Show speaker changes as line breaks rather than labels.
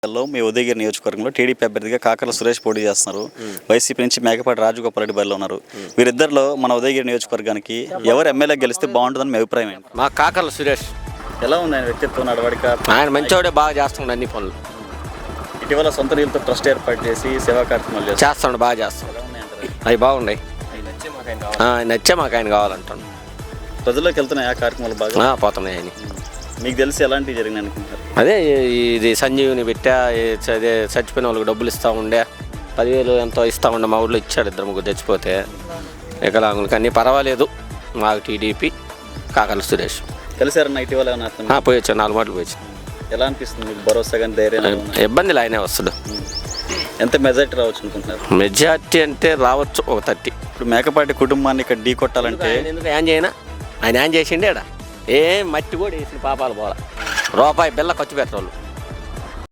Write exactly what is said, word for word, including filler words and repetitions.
లో మీ ఉదయగిరి నియోజకవర్గంలో టీడీపీ అభ్యర్థిగా కాకర్ల సురేష్ పోటీ చేస్తున్నారు. వైసీపీ నుంచి మేకపాటి రాజగోపాల్ రెడ్డి బరిలో ఉన్నారు. వీరిద్దరిలో మన ఉదయగిరి నియోజకవర్గానికి ఎవరు ఎమ్మెల్యే గెలిస్తే బాగుంటుందని మీ అభిప్రాయం ఏంటి?
మా కాకర్ల సురేష్
ఎలా ఉంది ఆయన వ్యక్తిత్వం, నడవడిక?
ఆయన మంచివాడే, బాగా చేస్తున్నాడు అన్ని పనులు.
ఇటీవల సొంత నిధులతో ట్రస్ట్ ఏర్పాటు చేసి సేవా కార్యక్రమాలు చేస్తారు.
చేస్తున్నాడు, బాగా చేస్తున్నాడు. అవి బాగున్నాయి, ఆయన నచ్చే మాకు ఆయన కావాలంటాను.
ప్రజల్లోకి వెళ్తున్నాయి ఆ కార్యక్రమాలు బాగా
పోతున్నాయి. ఆయన
మీకు తెలిసి ఎలాంటివి జరిగినాయి అనుకుంటారు?
అదే ఇది సంజీవుని పెట్టా, అదే చచ్చిపోయిన వాళ్ళకి డబ్బులు ఇస్తూ ఉండే, పదివేలు ఎంతో ఇస్తూ ఉండే. మా ఊళ్ళో ఇచ్చాడు ఇద్దరు ముగ్గురు తెచ్చిపోతే. వికలాంగులకి అన్నీ పర్వాలేదు. మాకు టీడీపీ కాకర్ల సురేష్.
కలిసారన్న ఇటీవల ఏమన్నా?
పోయి వచ్చాను, నాలుగు మాటలు పోయి వచ్చాను.
ఎలా అనిపిస్తుంది మీకు? భరోసా కానీ ధైర్యం?
ఇబ్బందులు ఆయనే వస్తాడు.
ఎంత మెజార్టీ రావచ్చు అనుకుంటున్నారు?
మెజార్టీ అంటే రావచ్చు ఒక థర్టీ.
ఇప్పుడు మేకపాటి కుటుంబాన్ని ఇక్కడ ఢీ కొట్టాలంటే
ఎందుకు ఏం చేయనా? ఆయన ఏం చేసిండే ఆడ ఏం మట్టి కూడా వేసిన పాపాలు పోలా. రూపాయి బిల్ల ఖర్చు పెట్టాలి.